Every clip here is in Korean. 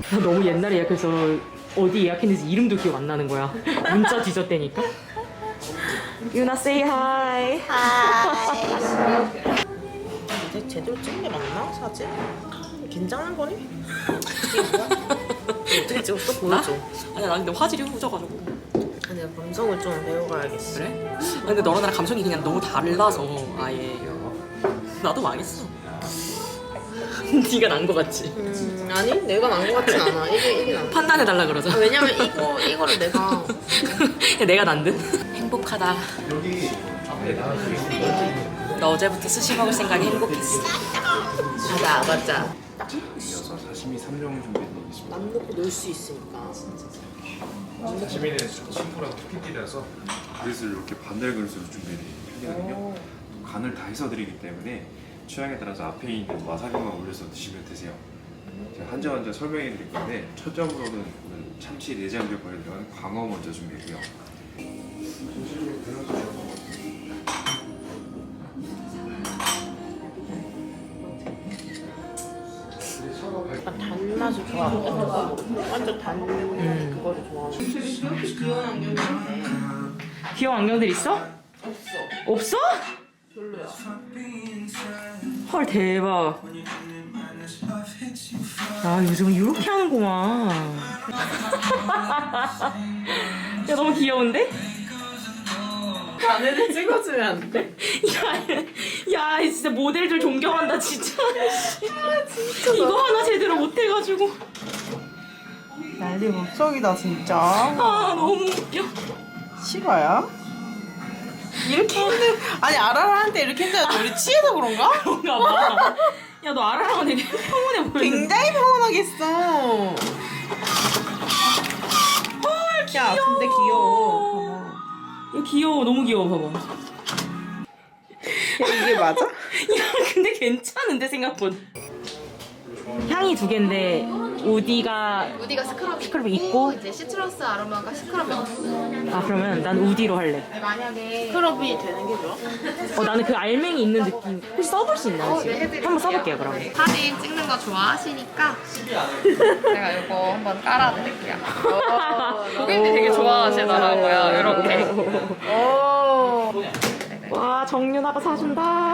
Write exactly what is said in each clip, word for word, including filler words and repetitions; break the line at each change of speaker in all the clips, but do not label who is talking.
나 너무 옛날에 예약해서 어디 예약했는지 이름도 기억 안 나는 거야. 문자 뒤졌대니까. 유나 say hi.
하이. 이제 제대로 찍는 게 맞나? 사진? 긴장한 거니? 이게 뭐야? 어떻게 찍었어? 보여줘.
아니 나 근데 화질이 후져가지고.
아니 감성을 좀 배워가야겠어.
그래? 아, 근데 너랑 나랑 감성이 그냥 너무 달라서 아예 나도 망했어. 네가 난 거 같지?
음 아니 내가 난 거 같진 않아. 이게 이게 난.
판단해달라 그러자.
아, 왜냐면 이거 이거를 내가
내가 난 듯? 행복하다.
여기 앞에 나가시면
나 어제부터 스시 먹을 생각이 행복했어.
맞아 맞아.
이어서 사시미 삼 종 준비해드리겠습니다.
남 놓고 놀 수 있으니까.
사시미는 심포랑 토끼띠라서 그릇을 이렇게 반달 그릇으로 준비해드리거든요. 간을 다 해서 드리기 때문에 취향에 따라서 앞에 있는 와사비만 올려서 드시면 되세요. 제가 한 점 한 점 설명해 드릴 건데 첫 점으로는 오늘 참치 내장젓 거에 들어간 광어 먼저 준비했고요.
약간 단맛을 좋아하거든. 완전 단 그거를 좋아하는. 귀여운 안경인데.
귀여운 안경들 있어?
없어.
없어?
별로야.
헐 대박. 야 요즘은 이렇게 하는구만. 야 너무 귀여운데?
자네를 찍어주면 안 돼?
야, 야 진짜 모델들 존경한다 진짜. 아 진짜 이거 하나 제대로 못해가지고.
난리 법석이다 진짜.
아 너무 웃겨.
실화야? 이렇게 힘들 아니 아라라한테 이렇게 힘들어 우리 취해서 그런가?
그런가 봐. 야 너 아라랑 되게 평온해 보이는데.
굉장히 평온하겠어.
헐 귀여워.
야 근데 귀여워.
야 귀여워 너무 귀여워 봐봐.
봐봐. 이게 맞아?
야 근데 괜찮은데 생각보다. 향이 두 개인데 우디가
우디가 스크럽이
스크럽이
있고,
있고?
이제 시트러스 아로마가 스크럽이 없어.
아 그러면 난 우디로 할래.
만약에
스크럽이 되는 게 좋아?
어 나는 그 알맹이 있는 느낌. 혹시 써볼 수 있나요
어, 네,
지금?
해드릴게요.
한번 써볼게요 그럼.
네, 사진 찍는 거 좋아하시니까 제가 이거 한번 깔아드릴게요. 고객님이 되게 좋아하시더라고요. 이렇게.
오.
와 정윤아가 사준다.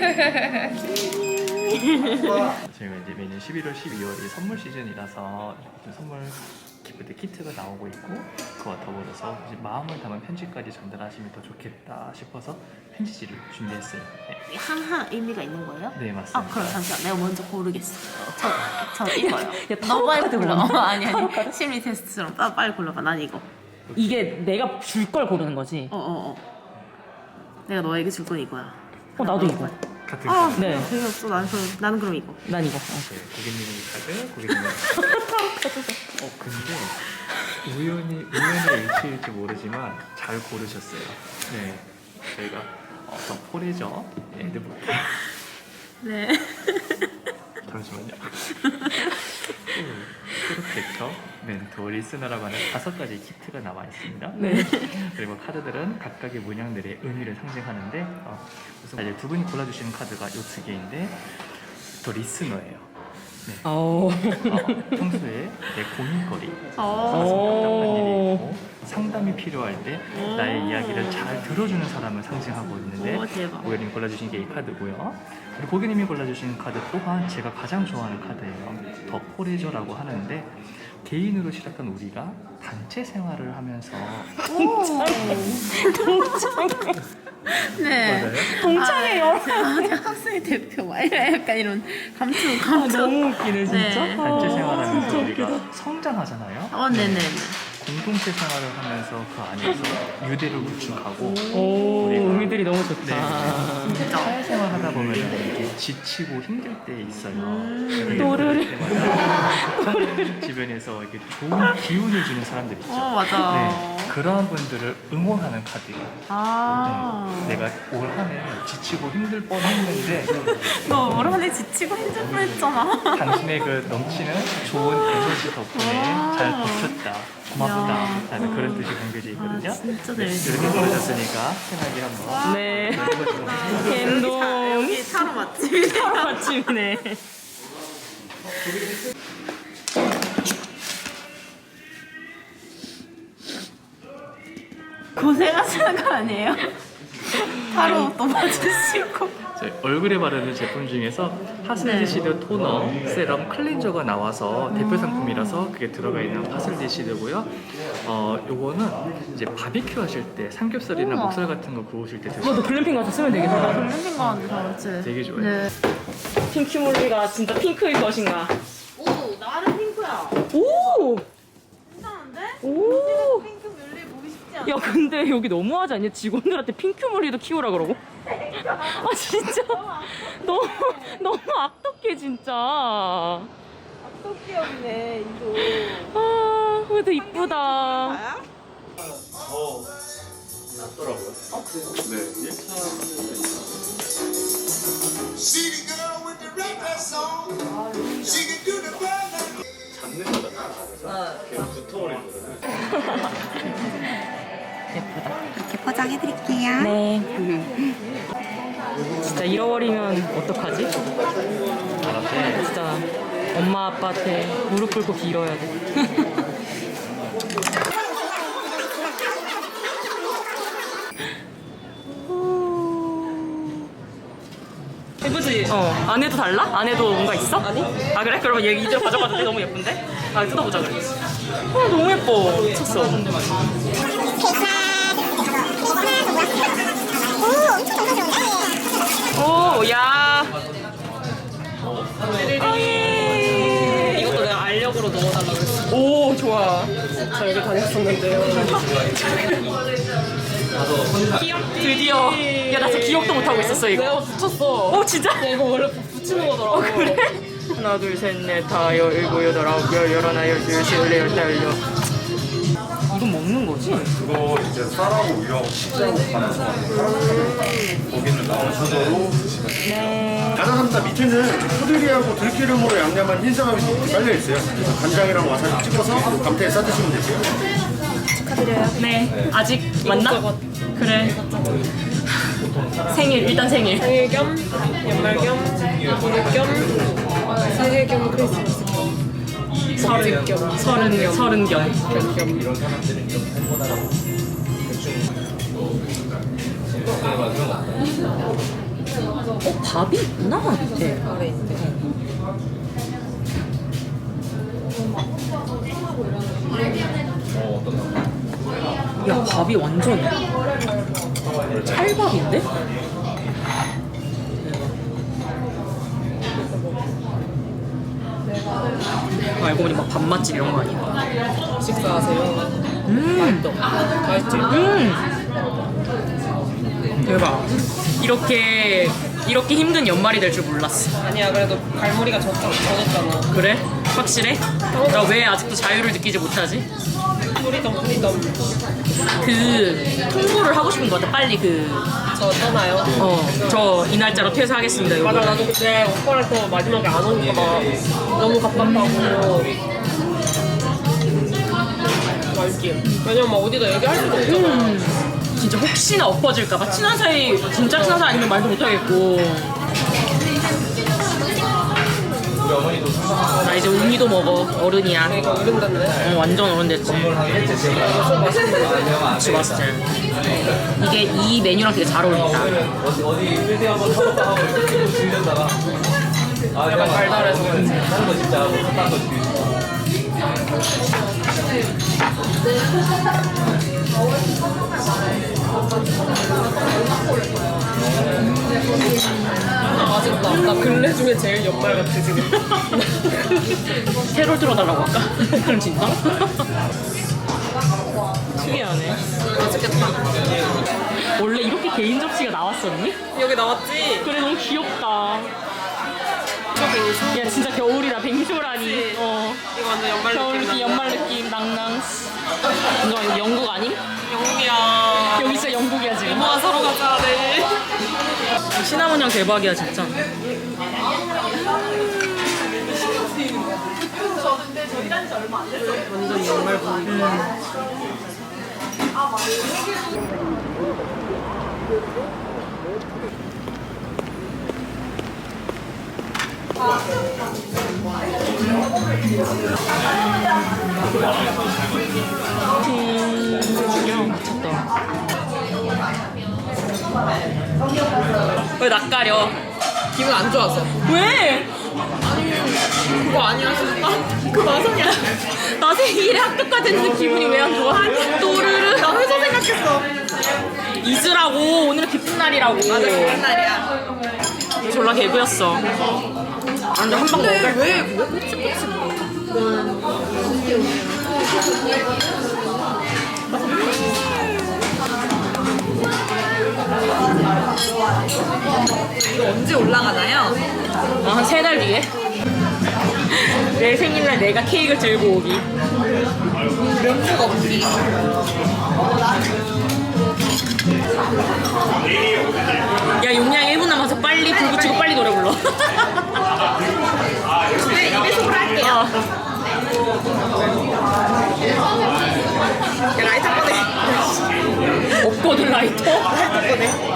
저희가 이제 매년 십일월, 십이월이 선물 시즌이라서 이렇게 선물 기프트 키트가 나오고 있고 그와 더불어서 이제 마음을 담은 편지까지 전달하시면 더 좋겠다 싶어서 편지지를 준비했어요. 네,
하나 의미가 있는 거예요?
네 맞습니다.
아 그럼 잠시만 내가 먼저 고르겠어. 저, 저 이거요.
야,
너 빨리
타로
골라.
카드
어, 아니 아니 심리 테스트처럼 나 빨리 골라봐. 난 이거.
이게 내가 줄 걸 고르는 거지.
어어 어, 어. 내가 너에게 줄 건 이거야.
어 나도 이거.
같은
아
카드.
네.
재미없어. 나는 그럼 나는 그럼 이거.
난 이거. 어.
네, 고객님의 카드, 고객님의 카드. 어 근데 우연히 우연의 일치일지 모르지만 잘 고르셨어요. 네, 저희가 어, 더 포레저 에드부터
네.
잠시만요. 프로텍터, 멘토, 리스너라고 하는 다섯 가지 키트가 나와 있습니다.
네.
그리고 카드들은 각각의 문양들의 의미를 상징하는데 어, 우선 이제 두 분이 골라주시는 카드가 요 두 개인데 또 리스너예요. 네.
어.
어, 평소에 내 고민거리,
어.
가슴 답답한 일이
오.
있고 상담이 필요할 때 나의 이야기를 잘 들어주는 사람을 상징하고 있는데
오, 대박.
고객님이 골라주신 게 이 카드고요. 그리고 고객님이 골라주신 카드 또한 제가 가장 좋아하는 카드예요. 더 포레저라고 하는데 개인으로 시작한 우리가 단체 생활을 하면서
네.
맞아요?
동창회요.
아, 학생 대표 막 이런 약간 이런 감투 감투.
너무 웃기네 진짜.
네.
단체
아,
생활하면서
진짜
우리가
웃기다.
성장하잖아요.
어 네네.
공동체 생활을 하면서 그 안에서 유대를 구축하고
오
우리가
의미들이 너무 좋다.
네. 사회생활 하다 보면 이렇게 지치고 힘들 때 있어요.
음. 또르르.
그때마다 주변에서 이렇게 좋은 기운을 주는 사람들 있죠.
어 맞아.
네, 그러한 분들을 응원하는 카드예요.
아.
네, 내가 올 한해 지치고 힘들 뻔했는데
너 올 한해 지치고 힘들 뻔했잖아.
당신의 그 넘치는 좋은 에너지 덕분에
와.
잘 버텼다. 고맙다.
야.
라는 그런 뜻이 담겨져 있거든요.
아, 진짜
네,
재밌어.
이렇게 보내셨으니까 편하게 한번
네.
자,
갬동.
여기 차로 맛집이다.
아침이네.
고생하시는 거 아니에요? 타로 또 맞으시고.
저희 얼굴에 바르는 제품 중에서 파슬리시드 토너, 세럼, 클렌저가 나와서 대표 상품이라서 그게 들어가 있는 파슬리시드고요. 어, 요거는 이제 바비큐 하실 때 삼겹살이나
우와.
목살 같은 거 구우실 때
너
드시면
글램핑 가서 쓰면 되겠다.
글램핑 가는데 잘했지.
되게 좋아요.
네.
핑크몰리가 진짜 핑크일 것인가?
오, 나는 핑크야.
오!
괜찮은데?
오!
핑크 뮬리 보기 쉽지 않아.
야 근데 여기 너무하지 않냐? 직원들한테 핑크몰리도 키우라 그러고? 아 진짜 너무 너무 악덕해 진짜.
악덕기업이네, 이거.
아 그래도 이쁘다.
나야?
어, 낫더라고요. 네.
See the girl with the red dress on. She can do the burn.
잡는 거잖아. 계속 붙어버리거든.
이렇게 포장해드릴게요.
네. 진짜 잃어버리면 어떡하지? 진짜 엄마 아빠한테 무릎 꿇고 빌어야 돼. 예쁘지? 어. 안에도 달라? 안에도 뭔가 있어? 아니. 아 그래? 그러면 얘 이대로 가져가도 돼? 너무 예쁜데? 아 뜯어보자 그래. 어 너무 예뻐. 미쳤어. 오, 야. 아, 예. 이것도 내가 알력으로 넣어달라고 그랬어. 오, 좋아. 저 여기 다녔었는데요. 기억 드디어. 야, 나 진짜 기억도 못하고 있었어, 이거. 내가 붙였어. 오, 진짜? 야, 이거 원래 붙이는 거더라고. 어, 그래? 하나, 둘, 셋, 넷, 다, 열, 일곱, 여덟, 아홉, 열, 열하나, 열둘, 열셋, 열넷, 열다, 열여. 이건 먹는 거지?
그거 이제 쌀하고 우유하고 치즈하고 갈아서 만든 거기는 나온 소대로 드시면 돼요.
가사삼다 밑에는 포들기하고 들기름으로 양념한 흰쌀밥이 이렇게 깔려 있어요. 그래서 간장이랑 와사비 찍어서 감태에 싸드시면 되세요.
네. 아직 맞나? 그래. 생일, 일단 생일.
생일 겸, 연말 겸, 부부 겸, 새해 겸, 크리스마스 겸.
서른 겸. 서른, 서른 겸.
이런 사람들은 이렇게 해보다가
어, 밥이 있구나, 밑에.
아래 있대.
야, 밥이 완전 찰밥인데? 알고 보니 막 밥맛집 이런 거 아니야?
식사하세요.
음,
맛있지?
음. 대박. 이렇게, 이렇게 힘든 연말이 될 줄 몰랐어.
아니야, 그래도 갈무리가 젖, 젖었잖아.
그래? 확실해? 나 왜 아직도 자유를 느끼지 못하지?
프리덤, 프리덤.
그 통보를 하고 싶은 것 같아. 빨리 그,
저 떠나요.
어, 저 이 날짜로 퇴사하겠습니다. 이거.
맞아, 나도 그때 오빠랑 또 마지막에 안 오니까 막 너무 갑갑하고. 말기. 왜냐면 막 어디다 얘기할 수도 없잖아.
음, 진짜 혹시나 엎어질까봐 친한 사이, 진짜 친한 사이 아니면 말도 못하겠고. 나 이제 우미도 먹어. 어른이야.
내가 어른 됐네.
어, 완전 어른 됐지. 그치, 맛있지. 이게 이 메뉴랑 되게 잘 어울린다.
약간 달달해서 그런지. 아직도 나 근래 중에 제일 연말 같아 지금.
새로 들어달라고 할까? 그럼 진짜? 특이하네.
맛있겠다.
원래 이렇게 개인 접시가 나왔었니?
여기 나왔지?
그래, 너무 귀엽다.
이거 빙수?
야, 진짜 겨울이다. 뱅쇼라니.
그치?
어.
이거 완전 연말
겨울
느낌
느낌, 연말 느낌, 낭낭. 이거 영국 아님?
영국이야.
여기 진짜 영국이야, 지금.
모아 서로 가자. 네.
시나몬 향 대박이야, 진짜.
완전 연말 분위기.
왜 낯가려?
기분 안 좋아서.
왜?
그거 아니야 진짜? 그 마성이야.
나 생일에 합격가 됐는데 기분이 왜 안 좋아? 또르르.
나 회사 생각했어.
잊으라고. 오늘은 기쁜 날이라고.
맞아 그런 날이야.
졸라 개구였어. 완전 한방 먹을.
왜 왜 그치 그치 이거 언제 올라가나요?
어, 한 세 달 뒤에. 내 생일날 내가 케이크를 들고 오기.
명수가 없지.
야, 용량 일 분 남아서 빨리 불 붙이고 빨리 노래 불러.
네, 입에서 할게요.
어.
야, 라이터 꺼내.
없거든, 라이터?
라이터 꺼내.